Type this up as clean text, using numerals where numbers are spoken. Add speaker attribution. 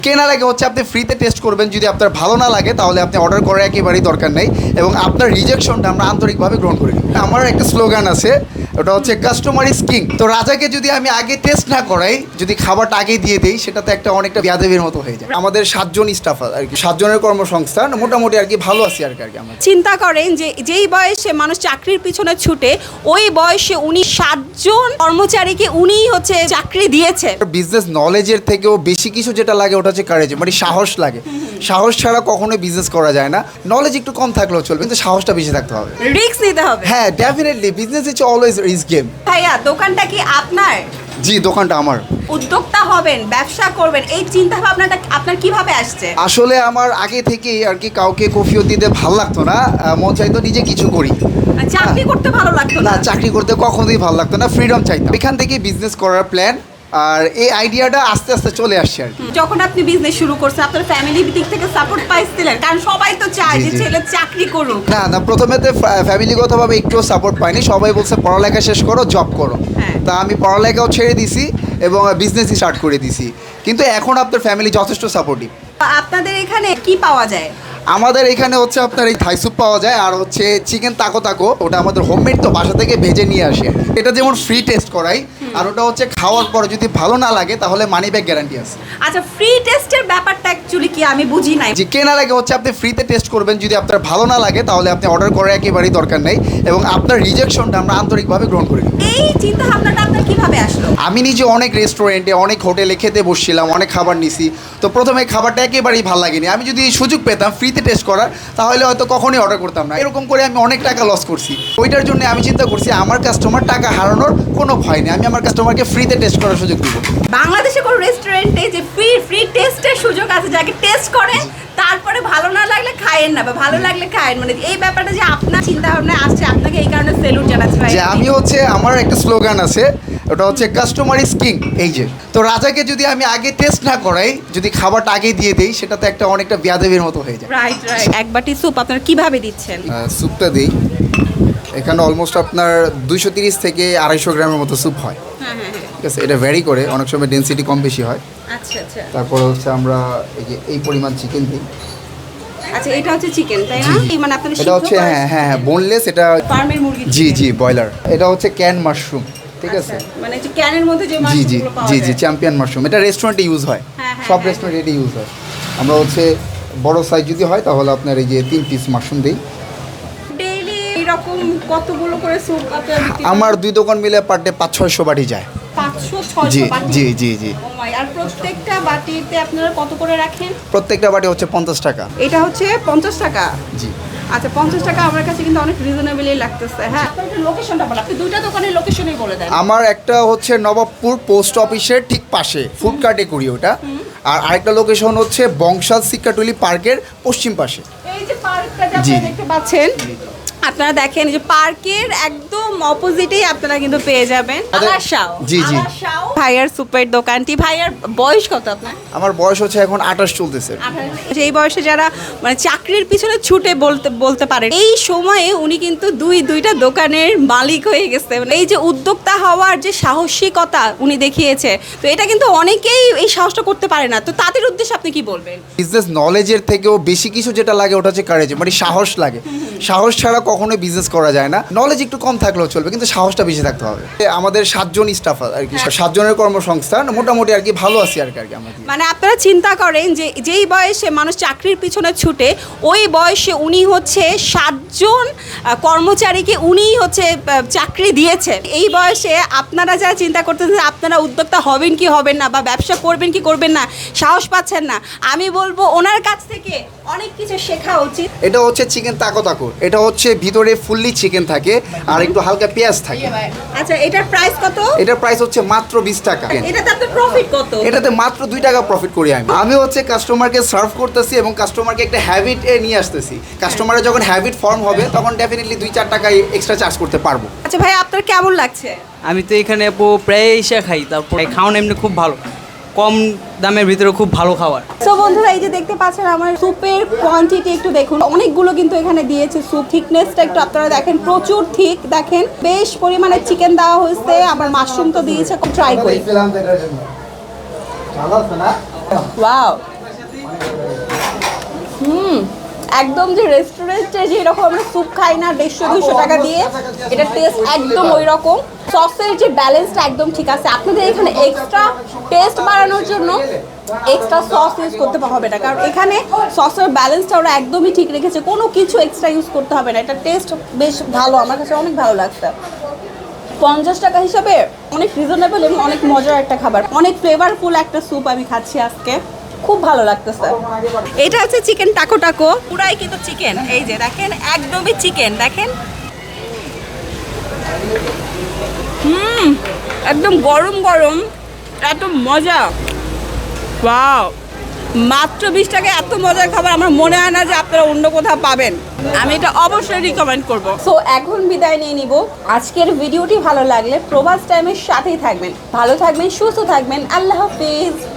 Speaker 1: কেনার আগে হচ্ছে আপনি ফ্রিতে টেস্ট করবেন, যদি আপনার ভালো না লাগে তাহলে আপনি অর্ডার করার একেবারেই দরকার নেই, এবং আপনার রিজেকশনটা আমরা আন্তরিকভাবে গ্রহণ করি। আমার একটা স্লোগান আছে, ওটা হচ্ছে কাস্টমার ইজ কিং। তো রাজাকে যদি আমি আগে টেস্ট না করাই, যদি খাবারটা আগে দিয়ে দিই, সেটাতে একটা অনেকটা বেয়াদবির মতো হয়ে যায়। আমাদের 7 জন স্টাফ আর কি, 7 জনের কর্মসংস্থান, মোটামুটি আর কি ভালো আছি আর কি আমরা।
Speaker 2: চিন্তা করেন যে যেই বয়সে মানুষ চাকরির পিছনে ছুটে, ওই বয়সে উনি 7 জন কর্মচারীকে উনিই হচ্ছে চাকরি দিয়েছে।
Speaker 1: বিজনেস নলেজের থেকেও বেশি কিছু যেটা লাগে ওটা হচ্ছে কারেজ, মানে সাহস লাগে। সাহস ছাড়া কখনোই বিজনেস করা যায় না। নলেজ একটু কম থাকলেও চলবে, কিন্তু সাহসটা বেশি থাকতে হবে।
Speaker 2: রিস্ক নিতে হবে।
Speaker 1: হ্যাঁ, definitely business is always risk game.
Speaker 2: ভাইয়া, দোকানটা কি আপনার?
Speaker 1: জি, দোকানটা আমার।
Speaker 2: উদ্যোক্তা হবেন, ব্যবসা করবেন, এই চিন্তা ভাবনাটা আপনার কিভাবে আসছে?
Speaker 1: আসলে আমার আগে থেকেই আর কি কাউকে কফিও দিতে ভালো লাগতো না, মন চাইতো নিজে কিছু করি।
Speaker 2: চাকরি করতে ভালো লাগতো
Speaker 1: না,
Speaker 2: না?
Speaker 1: চাকরি করতে কখনোই ভালো লাগতো না, ফ্রিডম চাইতাম। এখান থেকে বিজনেস করার প্ল্যান, আর এই আইডিয়াটা আস্তে আস্তে চলে আসছে আর কি।
Speaker 2: যখন আপনি বিজনেস শুরু করছেন, আপনার ফ্যামিলির দিক থেকে সাপোর্ট পাইছিলেন? কারণ সবাই তো চায়
Speaker 1: জি,
Speaker 2: যে
Speaker 1: জি।
Speaker 2: ছেলে চাকরি করুক।
Speaker 1: না না, প্রথমেতে ফ্যামিলিগতভাবে একটুও সাপোর্ট পাইনি। সবাই বলছে পড়ালেখা শেষ করো, জব করো।
Speaker 2: হ্যাঁ।
Speaker 1: তা আমি পড়ালেখাও ছেড়ে দিছি এবং বিজনেসই স্টার্ট করে দিছি, কিন্তু এখন আপনার ফ্যামিলি যথেষ্ট সাপোর্টিভ।
Speaker 2: আপনাদের এখানে কি পাওয়া যায়?
Speaker 1: আমাদের এখানে হচ্ছে আপনার এই থাই স্যুপ পাওয়া যায়, আর হচ্ছে চিকেন তাকো তাকো, ওটা আমাদের হোমমেড, তো বাসা থেকে ভেজে নিয়ে আসে। এটা যেমন ফ্রি টেস্ট করাই, আর ওটা হচ্ছে খাওয়ার পরে যদি ভালো না লাগে তাহলে মানি ব্যাক গ্যারান্টি আছে।
Speaker 2: আচ্ছা, ফ্রি টেস্টের ব্যাপারটা অ্যাকচুয়ালি কি আমি বুঝি নাই।
Speaker 1: যে কেনার আগে হচ্ছে আপনি ফ্রিতে টেস্ট করবেন, যদি আপনার ভালো না লাগে তাহলে আপনি অর্ডার করার একেবারেই দরকার নেই, এবং আপনার রিজেকশনটা আমরা আন্তরিকভাবে গ্রহণ করি।
Speaker 2: এই চিন্তা ভাবনাটা আপনার কিভাবে আসলো?
Speaker 1: আমি নিজে অনেক রেস্টুরেন্টে, অনেক হোটেলে খেতে বসছিলাম, অনেক খাবার নিছি। তো প্রথমে খাবারটা একেবারেই ভালো লাগেনি। আমি যদি সুযোগ পেতাম ফ্রিতে টেস্ট করার, তাহলে হয়তো কখনোই অর্ডার করতাম না। এরকম করে আমি অনেক টাকা লস করছি। ওইটার জন্য আমি চিন্তা করছি আমার কাস্টমার টাকা হারানোর কোনো ভয় নেই, আমি আমার কাস্টমারকে ফ্রিতে টেস্ট করার সুযোগ দিব।
Speaker 2: বাংলাদেশে কোনো রেস্টুরেন্টে যে ফ্রি টেস্টের সুযোগ আছে, যাকে টেস্ট করে তারপরে ভালো না লাগলে খায়েন না, বা ভালো লাগলে খায়েন, মানে এই ব্যাপারটা যে আপনার চিন্তা ভাবনা আসছে, আপনাকে এই কারণে সেলুট জানাচ্ছি ভাই।
Speaker 1: যে আমি হচ্ছে, আমার একটা স্লোগান আছে, ওটা হচ্ছে কাস্টমার ইজ কিং। এই যে, তো রাজাকে যদি আমি আগে টেস্ট না করাই, যদি খাবারটা আগে দিয়ে দিই, সেটাতে একটা অনেকটা বেয়াদবির মতো হয়ে যায়।
Speaker 2: রাইট। এক বাটি স্যুপ আপনারা কিভাবে দিচ্ছেন?
Speaker 1: স্যুপটা দিই, এখানে অলমোস্ট আপনার 230 থেকে 250 গ্রামের মতো স্যুপ হয়।
Speaker 2: হ্যাঁ।
Speaker 1: ঠিক আছে, এটা ভ্যারি করে, অনেক সময় ডেনসিটি কম বেশি হয়।
Speaker 2: আচ্ছা।
Speaker 1: তারপর হচ্ছে আমরা এই পরিমাণ চিকেন দিই।
Speaker 2: আচ্ছা, এটা হচ্ছে চিকেন, তাই না?
Speaker 1: জি।
Speaker 2: মানে আপনারা
Speaker 1: এটা হচ্ছে হ্যাঁ বোনলেস, এটা
Speaker 2: ফার্মের মুরগি।
Speaker 1: জি ব্রয়লার। এটা হচ্ছে ক্যান মাশরুম, ঠিক আছে।
Speaker 2: মানে যে ক্যানের মধ্যে যে
Speaker 1: জি
Speaker 2: মাশরুমগুলো পাওয়া যায়।
Speaker 1: চ্যাম্পিয়ন মাশরুম, এটা রেস্টুরেন্টে ইউজ হয়।
Speaker 2: হ্যাঁ,
Speaker 1: সব
Speaker 2: হ্যাঁ।
Speaker 1: রেস্টুরেন্টে এটা ইউজ হয়। আমরা হচ্ছে বড় সাইজ যদি হয় তাহলে আপনার এই যে 3 পিস মাশরুম দিই।
Speaker 2: ডেইলি এরকম কতগুলো করে স্যুপ আপনারা বিক্রি করেন?
Speaker 1: আমার 2 দোকান মিলে পার ডে 500-600 বাটি যায়।
Speaker 2: 500-600 বাটি?
Speaker 1: জি।
Speaker 2: Oh my, আর প্রত্যেকটা বাটিতে আপনারা কত করে রাখেন?
Speaker 1: প্রত্যেকটা বাটি হচ্ছে 50 টাকা।
Speaker 2: এটা হচ্ছে 50 টাকা।
Speaker 1: জি।
Speaker 2: আচ্ছা, 50 টাকা আমার কাছে কিন্তু অনেক রিজনেবলই লাগতেছে। হ্যাঁ, আপনার একটু লোকেশনটা বলেন, আপনি দুইটা দোকানের লোকেশনই বলে দেন।
Speaker 1: আমার একটা হচ্ছে নবাবপুর পোস্ট অফিসের ঠিক পাশে, ফুড কার্টে করি ওটা। আর আরেকটা লোকেশন হচ্ছে বংশাল সিকাটুলি পার্কের পশ্চিম পাশে।
Speaker 2: এই যে পার্কটা
Speaker 1: জি।
Speaker 2: আপনারা দেখতে পাচ্ছেন, আপনারা দেখেন এই যে পার্কের একদম অপোজিটেই আপনারা কিন্তু পেয়ে যাবেন আলাশাও।
Speaker 1: জি।
Speaker 2: ভাইয়ার সুপের দোকানটি। ভাইয়ার বয়স কত আপনার?
Speaker 1: আমার বয়স হচ্ছে এখন 28 চলতেছে।
Speaker 2: এই বয়সে যারা মানে চাকরির পিছনে ছুটে বলতে পারে, এই সময়ে উনি কিন্তু দুইটা দোকানের মালিক হয়ে গেছে। মানে এই যে উদ্যোক্তা হওয়ার যে সাহসিকতা উনি দেখিয়েছে, তো এটা কিন্তু অনেকেই এই সাহসটা করতে পারে না। তো তাদের উদ্দেশ্যে আপনি কি বলবেন?
Speaker 1: বিজনেস নলেজের থেকেও বেশি কিছু যেটা লাগে ওটা হচ্ছে কারেজ, মানে সাহস লাগে। সাহস ছাড়া কখনোই বিজনেস করা যায় না। নলেজ একটু কম থাকলেও চলবে, কিন্তু সাহসটা বেশি থাকতে হবে। আমাদের 7 জন স্টাফ আর কি, 7 জনের কর্মসংস্থান, মোটামুটি আর কি ভালো আছি আর কি আমরা।
Speaker 2: মানে আপনারা চিন্তা করেন যে যেই বয়সে মানুষ চাকরির পিছনে ছুটে, ওই বয়সে উনি হচ্ছে 7 জন কর্মচারীকে উনিই হচ্ছে চাকরি দিয়েছে। এই বয়সে আপনারা যারা চিন্তা করতেছেন আপনারা উদ্যোক্তা হবেন কি হবেন না, বা ব্যবসা করবেন কি করবেন না, সাহস পাচ্ছেন না, আমি বলবো ওনার কাছ থেকে অনেক কিছু শেখা উচিত।
Speaker 1: এটা হচ্ছে চিকেন তাকো তাকো, এটা হচ্ছে ভিতরে ফুললি চিকেন থাকে আর একটু হালকা পেঁয়াজ থাকে।
Speaker 2: আচ্ছা, এটার প্রাইস কত?
Speaker 1: এটার প্রাইস হচ্ছে মাত্র 20 টাকা।
Speaker 2: এটাতে আপনার প্রফিট কত?
Speaker 1: এটাতে মাত্র 2 টাকা প্রফিট করি আমি হচ্ছে কাস্টমারকে সার্ভ করতেছি এবং কাস্টমারকে একটা হ্যাবিট নিয়ে আসতেছি। কাস্টমারের যখন হ্যাবিট ফর্ম হবে তখন ডেফিনেটলি 2-4 টাকা এক্সট্রা চার্জ করতে পারবো।
Speaker 2: আচ্ছা ভাই, আপনার কেমন লাগছে?
Speaker 3: আমি তো এখানে প্রায় এসে খাই, তারপর খাওয়ানো এমনি খুব ভালো, কম দামের ভিতরে খুব ভালো খাবার।
Speaker 2: তো বন্ধুরা, এই যে দেখতে পাচ্ছেন আমার স্যুপের কোয়ান্টিটি একটু দেখুন, অনেকগুলো কিন্তু এখানে দিয়েছে। স্যুপ থিকনেসটা একটু আপনারা দেখেন, প্রচুর থিক। দেখেন বেশ পরিমাণে চিকেন দেওয়া হয়েছে, আবার মাশরুম তো দিয়েছে। ট্রাই করি। ওয়াও, একদম যে রেস্টুরেন্টে যেরকম আমরা স্যুপ খাই না 150-200 টাকা দিয়ে, এটা টেস্ট একদম ওই রকম। সসের যে ব্যালেন্সটা একদম ঠিক আছে। আপনাদের এখানে এক্সট্রা টেস্ট বাড়ানোর জন্য এক্সট্রা সস ইউজ করতে হবে না, কারণ এখানে সসের ব্যালেন্সটা ওরা একদমই ঠিক রেখেছে, কোনো কিছু এক্সট্রা ইউজ করতে হবে না। এটা টেস্ট বেশ ভালো, আমার কাছে অনেক ভালো লাগছে। 50 টাকা হিসাবে অনেক রিজনেবল এবং অনেক মজার একটা খাবার, অনেক ফ্লেভারফুল একটা স্যুপ আমি খাচ্ছি আজকে, খুব ভালো লাগতেছে। এটা হচ্ছে চিকেন টাকো টাকো, পুরাই কিন্তু চিকেন, এই যে দেখেন একদমই চিকেন, দেখেন একদম গরম গরম, এত মজা, ওয়াও। মাত্র 20 টাকায় এত মজার খাবার আমার মনে হয় না যে আপনারা অন্য কোথাও পাবেন। আমি এটা অবশ্যই রিকমেন্ড করব। সো এখন বিদায় নিয়ে নিব। আজকের ভিডিওটি ভালো লাগলে প্রবাস টাইমের সাথেই থাকবেন, ভালো থাকবেন, সুস্থ থাকবেন। আল্লাহ হাফিজ।